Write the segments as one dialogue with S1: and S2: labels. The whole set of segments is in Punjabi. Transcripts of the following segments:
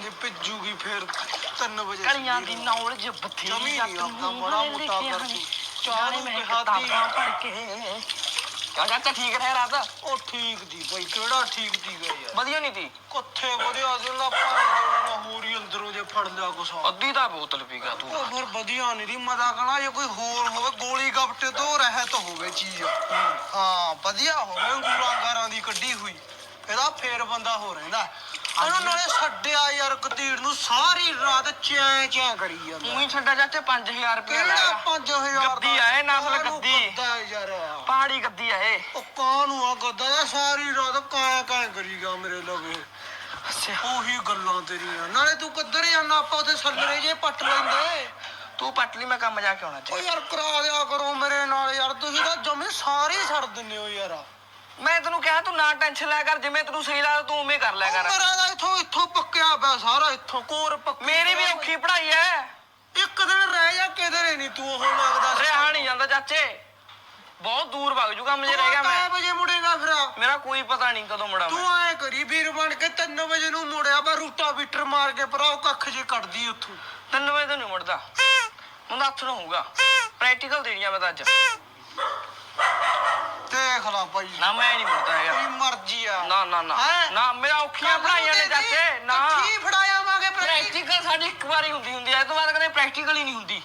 S1: ਜੇ ਭਿੱਜੂਗੀ ਫੇਰ 3 ਵਜੇ
S2: ਕਲੀਆਂ ਦੀ ਨੌਲੇਜ ਬਥੇਰੀ
S1: ਆਪਦਾ ਬੜਾ ਮੋਟਾ ਕਰ ਦੂ
S2: ਚਾਣੇ ਮੈਂ ਕਿਤਾਬਾਂ ਪੜ ਕੇ ਕਿਆ ਚਾਚਾ ਠੀਕ ਰਹੇ ਰਾਤ
S1: ਉਹ ਠੀਕ ਦੀ ਬਈ ਕਿਹੜਾ ਠੀਕ ਦੀ ਗਿਆ ਯਾਰ
S2: ਵਧੀਆ ਨਹੀਂ ਤੀ
S1: ਕਿੱਥੇ ਵਧੀਆ ਜਿਹਾ ਭਾਂ ਹੋਰ ਹੀ ਅੰਦਰੋਂ ਜੇ ਫੜ ਲਿਆ ਕੁਛ
S2: ਅੱਧੀ ਤਾਂ ਬੋਤਲ ਪੀ ਗਿਆ ਤੂੰ
S1: ਉਹ ਫਿਰ ਵਧੀਆ ਨਹੀਂ ਦੀ ਮਜ਼ਾ ਕਹਣਾ ਜੇ ਕੋਈ ਹੋਰ ਹੋਵੇ ਗੋਲੀ ਗੱਪਟੇ ਤੋਂ ਰਹਿਤ ਹੋਵੇ ਚੀਜ਼ ਹਾਂ ਵਧੀਆ ਹੋਵੇ ਅੰਗੂਰਾਂ ਗਾਰਾਂ ਦੀ ਕੱਢੀ ਹੋਈ ਇਹਦਾ ਫੇਰ ਬੰਦਾ ਹੋ ਰਹਿੰਦਾ ਉਹਨਾਂ ਨਾਲੇ ਛੱਡਿਆ ਯਾਰ ਗਤੀੜ ਨੂੰ ਸਾਰੀ ਰਾਤ ਚੈਂ ਚੈਂ ਕਰੀ ਜਾਂਦਾ
S2: ਉਹੀ ਛੱਡਾ ਚਾਚੇ 5000 ਰੁਪਏ
S1: ਕਿਹੜਾ 5000
S2: ਗੱਦੀ ਆਏ ਨਸਲ ਗੱਦੀ
S1: ਗੱਦਾ ਯਾਰ
S2: ਪਹਾੜੀ ਗੱਦੀ ਆਏ
S1: ਉਹ ਕਾਹਨੂੰ ਆ ਗੱਦਾ ਸਾਰੀ ਰਾਤ ਕਾਇਆ ਕਾਇਆ ਕਰੀ ਗਿਆ ਮੇਰੇ ਲਵੇ
S2: ਅੱਛਾ
S1: ਉਹੀ ਗੱਲਾਂ ਤੇਰੀਆਂ ਨਾਲੇ ਤੂੰ ਕਿੱਧਰ ਜਾਣਾ ਆਪਾਂ ਉੱਥੇ ਸੱਲਰੇ ਜੇ ਪੱਟ ਲੈਂਦੇ
S2: ਤੂੰ ਪੱਟ ਲਈ ਮੈਂ ਕੰਮ ਜਾ ਕੇ ਆਉਣਾ
S1: ਓ ਯਾਰ ਕਰਾ ਦਿਆ ਕਰੋ ਮੇਰੇ ਨਾਲ ਯਾਰ ਤੁਸੀਂ ਤਾਂ ਜਮੇ ਸਾਰੇ ਛੱਡ ਦਿੰਦੇ ਹੋ ਯਾਰ
S2: ਮੈਂ ਤੈਨੂੰ ਕਿਹਾ ਤੂੰ ਨਾ ਟੈਨਸ਼ਨ ਲੈ ਕਰ ਜਿਵੇਂ ਤੈਨੂੰ ਸਹੀ ਲੱਗਦਾ ਤੂੰ ਉਵੇਂ ਕਰ ਲਿਆ ਕਰ
S1: ਮੇਰਾ ਤਾਂ ਇੱਥੋਂ ਪੱਕਿਆ ਪਿਆ ਸਾਰਾ ਇੱਥੋਂ ਕੋਰ ਪੱਕੀ
S2: ਮੇਰੀ ਵੀ ਔਖੀ ਪੜ੍ਹਾਈ ਐ
S1: ਇੱਕ ਦਿਨ ਰਹਿ ਜਾ ਕਿਧਰੇ ਨਹੀਂ ਤੂੰ ਉਹ ਲੱਗਦਾ
S2: ਰਿਹਾ ਨਹੀਂ ਜਾਂਦਾ ਚਾਚੇ ਬਹੁਤ ਦੂਰ ਵਗ ਜੂ ਕੰਮ ਜੇ ਰਹਿ ਗਿਆ ਮੈਂ
S1: ਵਜੇ ਮੁੜੇਗਾ ਫਿਰ
S2: ਮੇਰਾ ਕੋਈ ਪਤਾ ਨਹੀਂ ਕਦੋਂ ਮੁੜਾਂ
S1: ਤੂੰ ਐ ਕਰੀ ਵੀਰ ਬਣ ਕੇ 3 ਵਜੇ ਨੂੰ ਮੁੜਿਆ ਬਾ ਰੂਟਾ ਬੀਟਰ ਮਾਰ ਕੇ ਭਰਾ ਕੱਖ ਜੇ ਕੱਢਦੀ ਉੱਥੋਂ
S2: 3 ਵਜੇ ਤੋਂ ਨਹੀਂ ਮੁੜਦਾ ਮੁੰਡਾ ਹੱਥ ਨੂੰ ਹੋਊਗਾ ਪ੍ਰੈਕਟੀਕਲ ਦੇਣੀਆਂ ਮੈਂ ਤਾਂ ਅੱਜ
S1: ਦੇਖ ਲਾ ਭਾਈ
S2: ਨਾ ਮੈਂ ਨਹੀਂ ਮੁੜਦਾ ਹੈਗਾ
S1: ਤੇਰੀ ਮਰਜ਼ੀ ਆ
S2: ਨਾ ਨਾ ਨਾ ਨਾ ਮੇਰਾ ਔਖੀਆਂ ਪੜਾਈਆਂ ਨੇ ਚਾਚੇ ਨਾ
S1: ਕੀ ਫੜਾਇਆਵਾਂਗੇ
S2: ਪ੍ਰੈਕਟੀਕਲ ਸਾਡੀ ਇੱਕ ਵਾਰੀ ਹੁੰਦੀ ਐ ਇਹ ਤੋਂ ਬਾਅਦ ਕਦੇ ਪ੍ਰੈਕਟੀਕਲ ਹੀ ਨਹੀਂ ਹੁੰਦੀ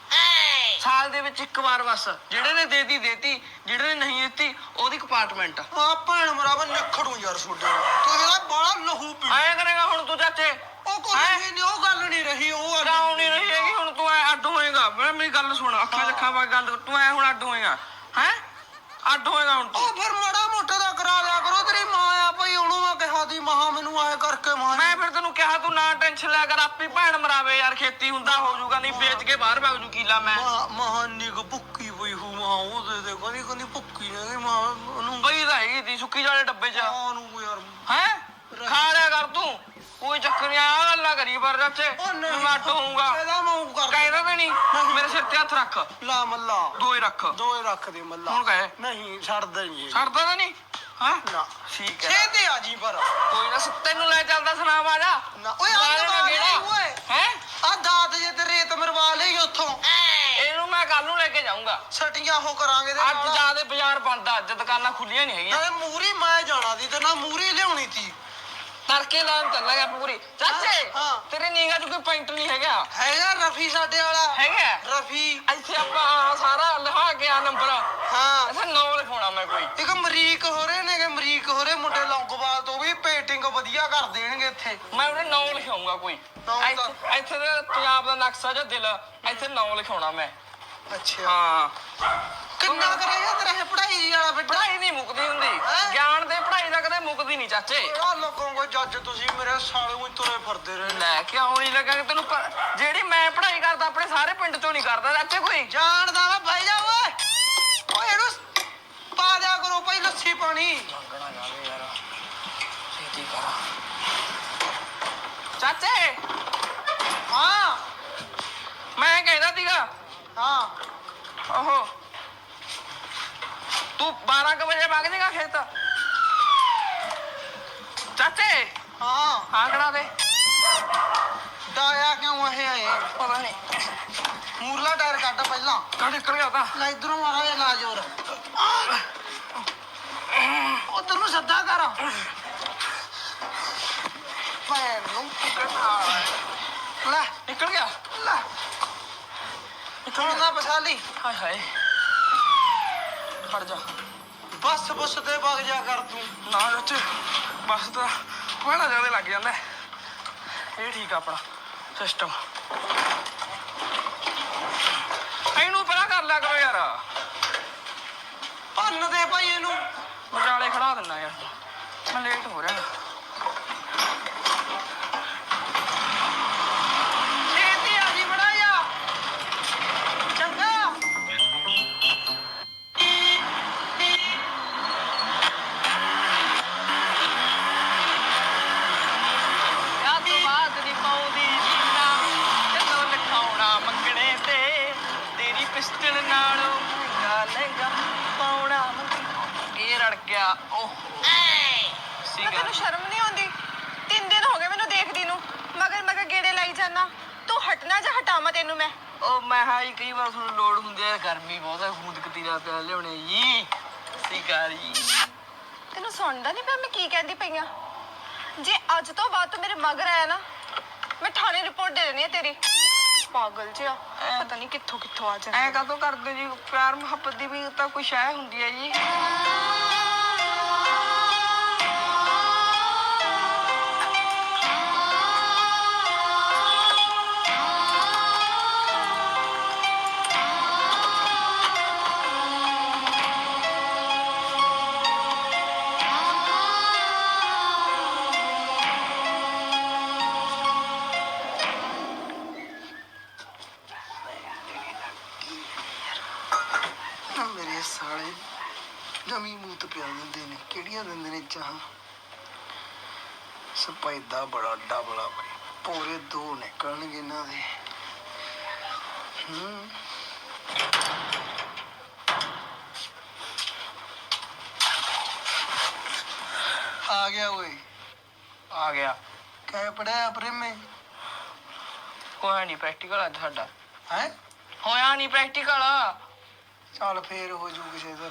S2: ਸਾਲ ਦੇ ਵਿੱਚ ਇੱਕ ਵਾਰ ਬਸ ਜਿਹੜੇ ਨੇ ਦੇਤੀ ਜਿਹੜੇ ਨੇ ਨਹੀਂ ਦਿੱਤੀ ਉਹਦੀ ਕੰਪਾਰਟਮੈਂਟ
S1: ਆ ਭੈਣ ਮਰਾਵਾ ਨਖੜੂ ਯਾਰ ਛੋਡੇ ਤੂੰ ਇਹਦਾ ਬਾਲਾ ਲਹੂ ਪੀ
S2: ਐ ਕਰੇਗਾ ਹੁਣ ਤੂੰ ਚਾਚੇ
S1: ਉਹ ਕੋਈ ਨਹੀਂ ਉਹ ਗੱਲ ਨਹੀਂ ਰਹੀ ਉਹ
S2: ਕਿਉਂ ਨਹੀਂ ਰਹੀ ਹੈਗੀ ਹੁਣ ਤੂੰ ਐ ਅੱਡ ਹੋਏਗਾ ਮੇਰੀ ਗੱਲ ਸੁਣ ਅੱਖਾਂ ਅੱਖਾਂ ਵਾ ਗੱਲ ਤੂੰ ਐ ਹੁਣ ਅੱਡ ਹੋਏਗਾ ਹੈ ਅੱਡ ਹੋਏਗਾ ਹੁਣ ਤੂੰ
S1: ਉਹ ਫਿਰ ਮਾੜਾ ਮੋਟਾ ਦਾ ਕਰਾ ਲਿਆ ਕਰੋ ਤੇਰੀ ਮਾਂ ਆ ਭਾਈ ਉਹਨੂੰ ਮੈਂ ਕਿਹਾ ਦੀ ਮਹਾ ਮੈਨੂੰ ਆਏ ਕਰਕੇ ਮਾਂ
S2: ਮੈਂ ਫਿਰ ਤੈਨੂੰ ਕਿਹਾ ਤੂੰ ਨਾ ਟੈਨਸ਼ਨ ਲਿਆ ਕਰ ਆਪੇ ਭੈਣ ਮਰਾਵੇ ਯਾਰ ਖੇਤੀ ਹੁੰਦਾ ਹੋ ਜਾਊਗਾ ਨਹੀਂ ਵੇਚ ਕੇ ਬਾਹਰ ਭੱਜ ਜੂ ਕੀਲਾ ਮੈਂ
S1: ਮਹਾਨੀ ਕੋ ਭੁੱਕੀ ਪਈ ਹੂ ਮਾਂ ਉਹਦੇ ਦੇ ਕੋਈ ਭੁੱਕੀ ਨਹੀਂ ਮਾਂ ਉਹਨੂੰ
S2: ਬਈ ਤਾਂ ਹੈਗੀ ਤੀ ਸੁੱਕੀ ਜਾਲੇ ਡੱਬੇ 'ਚ
S1: ਉਹਨੂੰ ਯਾਰ
S2: ਹੈ ਖਾ ਲਿਆ ਕਰ ਤੂੰ ਕੋਈ ਚੱਕਰ ਨਹੀਂ ਆ ਗੱਲਾਂ ਕਰੀ ਪਰ ਚਾਚੇ ਮੈਂ ਅੱਡ ਹੋਊਗਾ
S1: ਇਹਦਾ ਮੂੰਹ ਕਰ
S2: ਕਹਿਦਾ ਤੇ ਨਹੀਂ ਮੇਰੇ ਸਿਰ ਤੇ ਹੱਥ ਰੱਖ
S1: ਲਾ ਮੱਲਾ
S2: ਦੋਏ ਰੱਖ
S1: ਦੇ ਮੱਲਾ
S2: ਹੁਣ ਕਹੇ
S1: ਨਹੀਂ ਛੱਡਦਾ ਨਹੀਂ
S2: ਛੱਡਦਾ ਤਾਂ ਨਹੀਂ ਹਾਂ
S1: ਨਾ
S2: ਠੀਕ ਹੈ
S1: ਛੇਤੀ ਆ ਜੀ ਪਰ
S2: ਕੋਈ ਨਾ ਤੈਨੂੰ ਲੈ ਚੱਲਦਾ ਸੁਨਾਮ ਆ ਜਾ
S1: ਨਾ ਓਏ ਓਏ
S2: ਹੈ
S1: ਆ ਦਾਤ ਜੇ ਤੇ ਰੇਤ ਮਰਵਾ ਲਈ ਉੱਥੋਂ
S2: ਇਹਨੂੰ ਮੈਂ ਕੱਲ ਨੂੰ ਲੈ ਕੇ ਜਾਊਂਗਾ
S1: ਛਟੀਆਂ ਹੋ ਕਰਾਂਗੇ ਤੇ
S2: ਅੱਜ ਜਾਦੇ ਬਾਜ਼ਾਰ ਬੰਦ ਅੱਜ ਦੁਕਾਨਾਂ ਖੁੱਲੀਆਂ ਨਹੀਂ ਹੈਗੀਆਂ
S1: ਨਾਲੇ ਮੂਰੀ ਮੈਂ ਜਾਣਾ ਦੀ ਤੇ ਨਾ ਮੂਰੀ ਲਿਆਉਣੀ ਤੀ
S2: ਤੜਕੇ ਲਾਉਣ ਚੱਲਾਂਗਾ ਪੂਰੀ ਚਾਚੇ ਤੇਰੇ ਨੀਂਗਾ ਚ ਕੋਈ ਪੈਂਟ ਨਹੀਂ
S1: ਹੈਗਾ ਰਫੀ ਸਾਡੇ ਵਾਲਾ
S2: ਹੈਗਾ
S1: ਰਫੀ
S2: ਇੱਥੇ ਆਪਾਂ ਸਾਰਾ ਲਿਖਾ ਕੇ ਆ ਨੰਬਰ
S1: ਹਾਂ
S2: ਇੱਥੇ ਨਾਂ ਲਿਖਾਉਣਾ ਮੈਂ ਕੋਈ
S1: ਇੱਕ ਮਰੀਕ ਹੋ ਰਹੇ ਨੇਗੇ ਮਰੀਕ ਹੋ ਰਹੇ ਮੁੰਡੇ ਲੌਂਗੋਵਾਲ ਤੋਂ ਵੀ ਪੇਂਟਿੰਗ ਵਧੀਆ ਕਰ ਦੇਣਗੇ ਇੱਥੇ
S2: ਮੈਂ ਉਹਦੇ ਨਾਂ ਲਿਖਾਉਂਗਾ ਕੋਈ ਇੱਥੇ ਦੇ ਪੰਜਾਬ ਦਾ ਨਕਸ਼ਾ ਜਾਂ ਦਿਲ ਇੱਥੇ ਨਾਂ ਲਿਖਾਉਣਾ ਮੈਂ
S1: ਅੱਛਾ
S2: ਹਾਂ
S1: ਕਿੰਨਾ ਕਰੇਗਾ ਤੇਰਾ ਇਹ ਪੜ੍ਹਾਈ ਵਾਲਾ ਬੇਟਾ
S2: ਪੜ੍ਹਾਈ ਨਹੀਂ ਮੁੱਕਦੀ ਹੁੰਦੀ ਗਿਆਨ ਦੇ ਪੜ੍ਹਾਈ ਦਾ ਕਦੇ ਮੁੱਕਦੀ ਨਹੀਂ ਚਾਚੇ
S1: ਆ ਲੋਕਾਂ ਕੋ ਜੱਜ ਤੁਸੀਂ ਮੇਰੇ ਸਾਲੇ ਨੂੰ ਤੁਰੇ ਫਿਰਦੇ ਰਹੇ
S2: ਲੈ ਕਿਉਂ ਨਹੀਂ ਲੱਗਾ ਤੈਨੂੰ ਜਿਹੜੀ ਮੈਂ ਪੜ੍ਹਾਈ ਕਰਦਾ ਆਪਣੇ ਸਾਰੇ ਪਿੰਡ ਚੋਂ ਨਹੀਂ ਕਰਦਾ ਚਾਚੇ ਕੋਈ
S1: ਜਾਣਦਾ ਵਾ ਭਾਈ ਜਾ ਓਏ ਓਏ ਇਹਨੂੰ ਪਾ ਦਿਆ ਕਰੋ ਭਾਈ ਲੱਸੀ ਪਾਣੀ
S2: ਮੰਗਣਾ ਜਾਵੇ ਯਾਰ ਛੇਤੀ ਕਰ ਚਾਚੇ
S1: ਹਾਂ
S2: ਮੈਂ ਕਹਿੰਦਾ ਸੀਗਾ
S1: ਹਾਂ
S2: ਓਹੋ ਤੂੰ 12 ਵਜੇ ਵਗ ਜਾਏਗਾ ਖੇਤ ਚਾਚੇ
S1: ਹਾਂ
S2: ਆਂਕੜਾ ਦੇ
S1: ਡਾਇਆ ਕਿਉਂ ਇਹ ਆਏ
S2: ਪਤਾ ਨਹੀਂ
S1: ਮੂਰਲਾ ਟਾਇਰ ਕੱਢ ਪਹਿਲਾਂ
S2: ਕੱਢ ਨਿਕਲ ਗਿਆ ਤਾਂ
S1: ਲੈ ਇਧਰੋਂ ਮਾਰਾ ਇਹ ਲਾ ਜੋਰ ਉਧਰ ਨੂੰ ਸੱਦਾ ਕਰ ਭੈਣ ਨੂੰ ਲੈ
S2: ਨਿਕਲ ਗਿਆ
S1: ਲੈ ਨਿਕਲਦਾ ਬਸਾਲੀ
S2: ਹਾਏ ਹਾਏ ਖੜ ਜਾ
S1: ਬੱਸ ਤੇ ਵਗ ਜਾ ਕਰ ਤੂੰ
S2: ਨਾ ਚਾਚੇ ਬਸ ਤਾਂ ਪਹਿਲਾਂ ਜਿਆਦਾ ਲੱਗ ਜਾਂਦਾ ਇਹ ਠੀਕ ਆ ਆਪਣਾ ਸਿਸਟਮ ਇਹਨੂੰ ਪਹਿਲਾਂ ਕਰ ਲਿਆ ਕਰੋ ਯਾਰ
S1: ਭੰਨ ਦੇ ਭਾਈ ਇਹਨੂੰ
S2: ਵਿਚਾਲੇ ਖੜਾ ਦਿੰਦਾ ਯਾਰ ਮੈਂ ਲੇਟ ਹੋ ਰਿਹਾ
S1: ਛੇਤੀ ਆ ਜੀ ਬੜਾ ਜਾ ਚੰਗਾ
S2: ਯਾ ਤੋਂ ਬਾਅਦ ਨਹੀਂ ਪਾਉਂਦੀ ਜੀਨਾ ਜਦੋਂ ਲਿਖਾਉਣਾ ਮੰਗਣੇ ਤੇ ਤੇਰੀ ਪਿਸਟਲ ਨਾਲੋਂ ਮਹਿੰਗਾ ਲਹਿੰਗਾ ਪਾਉਣਾ ਇਹ ਰੜ ਗਿਆ ਓਹ
S3: ਤੈਨੂੰ ਸ਼ਰਮ ਨਹੀਂ ਆਉਂਦੀ 3 ਦਿਨ ਹੋ ਗਏ ਮੈਨੂੰ ਦੇਖਦੀ ਨੂੰ ਮਗਰ ਜਾਨਾ? ਤੂੰ ਹਟਣਾ ਜਾਂ ਹਟਾਵਾਂ ਤੈਨੂੰ ਮੈਂ?
S2: ਉਹ ਮੈਂ ਹਾਂ ਜੀ ਕਈ ਵਾਰ ਤੁਹਾਨੂੰ ਲੋੜ ਹੁੰਦੀ ਹੈ, ਗਰਮੀ ਬਹੁਤ ਹੈ, ਗੂੰਦ ਕਤੀਰਾ ਪਿਆ ਲਿਆਉਣੇ ਜੀ। ਸਿਕਾਰੀ
S3: ਤੈਨੂੰ ਸੁਣਦਾ ਨਹੀਂ ਪਿਆ ਮੈਂ ਕੀ ਕਹਿੰਦੀ ਪਈ ਆ? ਜੇ ਅੱਜ ਤੋਂ ਬਾਅਦ ਤੂੰ ਮੇਰੇ ਮਗਰ ਆਇਆ ਨਾ, ਮੈਂ ਥਾਣੇ ਰਿਪੋਰਟ ਦੇ ਦੇਣੀ ਹੈ ਤੇਰੀ। ਪਾਗਲ ਜਿਹਾ, ਪਤਾ ਨਹੀਂ ਕਿੱਥੋਂ ਕਿੱਥੋਂ ਆ ਜਾਂਦਾ।
S2: ਐ ਕਾਹਤੋਂ ਕਰਦੇ ਜੀ? ਪਿਆਰ ਮੁਹੱਬਤ ਦੀ ਵੀ ਤਾਂ ਕੋਈ ਸ਼ੈ ਹੁੰਦੀ ਹੈ ਜੀ।
S1: ਮੇਰੇ ਸਾਲੇ ਨਵੀਂ ਮੂਤ ਪਿਆ ਦਿੰਦੇ ਨੇ, ਕਿਹੜੀਆਂ ਦਿੰਦੇ ਨੇ ਚਾਹ। ਸਪੈਦਾ ਬੜਾ ਡਬਲਾ ਬਈ, ਪੂਰੇ 2 ਨਿਕਲਣਗੇ ਇਹਨਾਂ ਦੇ। ਆ ਗਿਆ ਓਏ,
S2: ਆ ਗਿਆ।
S1: ਕਹਿ ਪੜਿਆ ਪ੍ਰੇਮੇ?
S2: ਹੋਇਆ ਨਹੀਂ ਪ੍ਰੈਕਟੀਕਲ ਅੱਜ ਸਾਡਾ।
S1: ਹੈ
S2: ਹੋਇਆ ਨਹੀਂ ਪ੍ਰੈਕਟੀਕਲ।
S1: ਚੱਲ ਫੇਰ ਹੋ ਜੂ ਕਿਸੇ ਦਿਨ।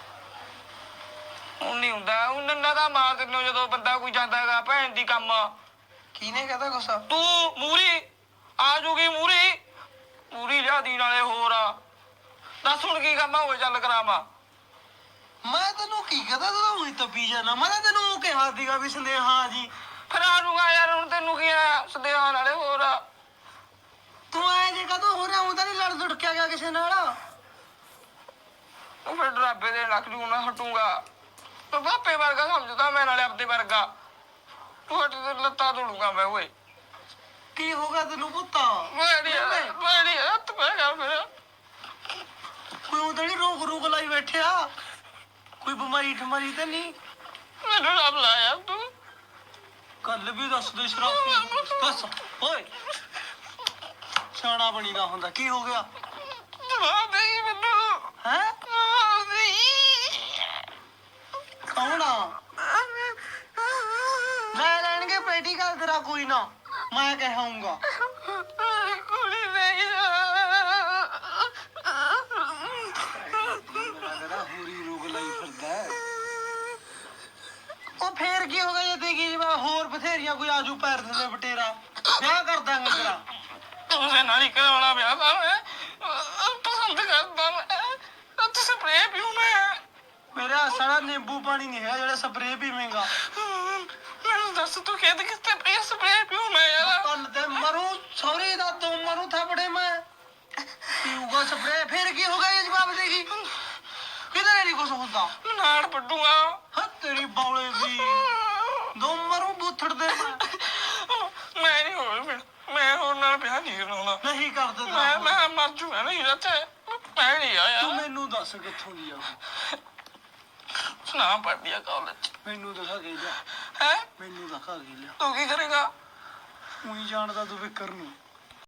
S2: ਉਹ ਨਹੀਂ ਹੁੰਦਾ, ਉਹ ਨੰਨਾ ਦਾ ਮਾਰ ਦਿੰਦੇ ਹੋ ਜਦੋਂ ਬੰਦਾ ਕੋਈ ਜਾਂਦਾ ਹੈਗਾ ਭੈਣ ਦੀ ਕੰਮ।
S1: ਕਿਹਨੇ ਕਹਤਾ ਗੁੱਸਾ?
S2: ਤੂੰ ਮੂਰੀ ਆ ਜੂਗੀ, ਮੂਰੀ ਲਿਆਦੀ ਨਾਲੇ ਹੋਰ ਦੱਸ ਹੁਣ ਕੀ ਕੰਮ ਹੋਵੇ, ਚੱਲ ਕਰਾਵਾਂ।
S1: ਮੈਂ ਤੈਨੂੰ ਕੀ ਕਹਤਾ, ਤੂੰ ਤਾਂ ਉਹੀ ਤੱਪੀ ਜਾਣਾ। ਮੈਂ ਤਾਂ ਤੈਨੂੰ ਕਿਹਾ ਸੀਗਾ ਵੀ ਸੰਦੇਹਾ ਜੀ।
S2: ਫਿਰ ਆ ਜੂਗਾ ਯਾਰ, ਹੁਣ ਤੈਨੂੰ ਕੀ ਆ ਸਦਿਆ ਨਾਲੇ ਹੋਰ।
S1: ਤੂੰ ਐ ਜੇ ਕਦੋਂ ਹੋ ਰਿਹਾ, ਉਹ ਤਾਂ ਨਹੀਂ ਲੜ ਦੁੜਕਿਆ ਗਿਆ ਕਿਸੇ ਨਾਲ।
S2: ਉਹ ਫਿਰ ਡਰਾਬੇ ਦੇ ਲੱਖ ਜੂ ਨਾ ਹਟੂਗਾ। ਤੂੰ ਬਾਪੇ ਵਰਗਾ ਸਮਝਦਾ ਮੈਂ, ਨਾਲੇ ਆਪਦੇ ਵਰਗਾ। ਤੂੰ ਹਟ ਤੇ ਲੱਤਾਂ ਤੋੜੂਗਾ ਮੈਂ। ਓਏ
S1: ਕੀ ਹੋ ਗਿਆ ਤੈਨੂੰ ਪੁੱਤਾ?
S2: ਬੜੀ ਹੱਥ ਪੈ ਗਿਆ ਮੇਰਾ।
S1: ਕੋਈ ਉਹ ਤਾਂ ਨਹੀਂ ਰੋਕ ਲਾਈ ਬੈਠਿਆ? ਕੋਈ ਬਿਮਾਰੀ ਠਮਾਰੀ ਤਾਂ ਨਹੀਂ?
S2: ਮੈਨੂੰ ਰੱਬ ਲਾਇਆ ਤੂੰ।
S1: ਗੱਲ ਵੀ ਦੱਸ ਦੇ ਸ਼ਰਾਬ। ਦੱਸ ਓਏ, ਸਿਆਣਾ ਬਣੀਦਾ ਹੁੰਦਾ। ਕੀ ਹੋ ਗਿਆ?
S2: ਜਵਾਬ ਦੇ ਮੈਨੂੰ।
S1: ਹੈ
S2: ਜਵਾਬ ਦੇ।
S1: ਕੌਣ ਆ? ਲੈ ਲੈਣਗੇ ਪ੍ਰੈਕਟੀਕਲ ਤੇਰਾ, ਕੋਈ ਨਾ ਮੈਂ ਕਹਾਂਗਾ।
S2: ਕੁੜੀ ਨਹੀਂ
S1: ਹੋਰੀ ਰੋਗ ਲਾਈ ਫਿਰਦਾ। ਉਹ ਫੇਰ ਕੀ ਹੋ ਗਿਆ ਜੇ ਦੇਗੀ ਜਵਾਬ? ਹੋਰ ਬਥੇਰੀਆਂ ਕੋਈ ਆਜੂ ਪੈਰ ਥੱਲੇ ਬਟੇਰਾ, ਵਿਆਹ ਕਰ ਦਾਂਗੇ ਤੇਰਾ।
S2: ਤੁਸੇ ਨਾਲ ਹੀ ਕਰਾਉਣਾ ਵਿਆਹ ਤਾਂ ਮੈਂ ਪਸੰਦ ਕਰਦਾ। ਮੈਂ ਤੂੰ ਸਪਰੇਅ ਪੀਉ ਮੈਂ।
S1: ਮੇਰਾ ਸਾਰਾ ਨਿੰਬੂ ਪਾਣੀ ਨਹੀਂ ਹੈ ਜਿਹੜਾ ਸਪਰੇਅ ਪੀਵੇਂਗਾ।
S2: ਮੈਨੂੰ ਦੱਸ ਤੂੰ ਕਿਹਦੇ ਕਿਤੇ ਸਪਰੇਅ ਪੀਉ ਮੈਂ ਯਾਰ?
S1: ਕੰਨ ਤੇ ਮਰੂ, ਸੌਰੀ ਦਾ ਤੂੰ ਮਰੂ ਥਾਪੜੇ ਮੈਂ। ਪੀਊਗਾ ਸਪਰੇਅ, ਫੇਰ ਕੀ ਹੋ ਗਿਆ ਜੇ ਜਵਾਬ ਦੇਗੀ? ਕਿਧਰੇ ਨਹੀਂ ਕੁਛ ਹੁੰਦਾ।
S2: ਨਾੜ ਪੱਟੂਗਾ।
S1: ਹਾਂ ਤੇਰੀ ਬੌਲੇ ਦੀ ਦੋ ਮਰੂ ਬੂਥੜ ਦੇ।
S2: ਮੈਂ ਨਹੀਂ ਮੈਂ ਹੋਰ ਨਾਲ ਵਿਆਹ ਨਹੀਂ ਕਰਾਉਣਾ।
S1: ਨਹੀਂ ਕਰਦੇ
S2: ਮੈਂ ਮਰ ਜੂਗਾ ਨਹੀਂ ਇੱਥੇ। ਮੈਂ ਨਹੀਂ ਆਇਆ।
S1: ਤੂੰ ਮੈਨੂੰ ਦੱਸ ਕਿੱਥੋਂ ਦੀ ਆ?
S2: ਸੁਣਾ ਪੜਦੀ ਆ ਕਾਲਜ।
S1: ਮੈਨੂੰ ਦਿਖਾ ਕੇ ਜਾ।
S2: ਹੈ
S1: ਮੈਨੂੰ ਦਿਖਾ ਕੇ ਲਿਆ।
S2: ਤੂੰ ਕੀ ਕਰੇਗਾ?
S1: ਉਹੀ ਜਾਣਦਾ ਤੂੰ ਵਿਕਰ ਨੂੰ।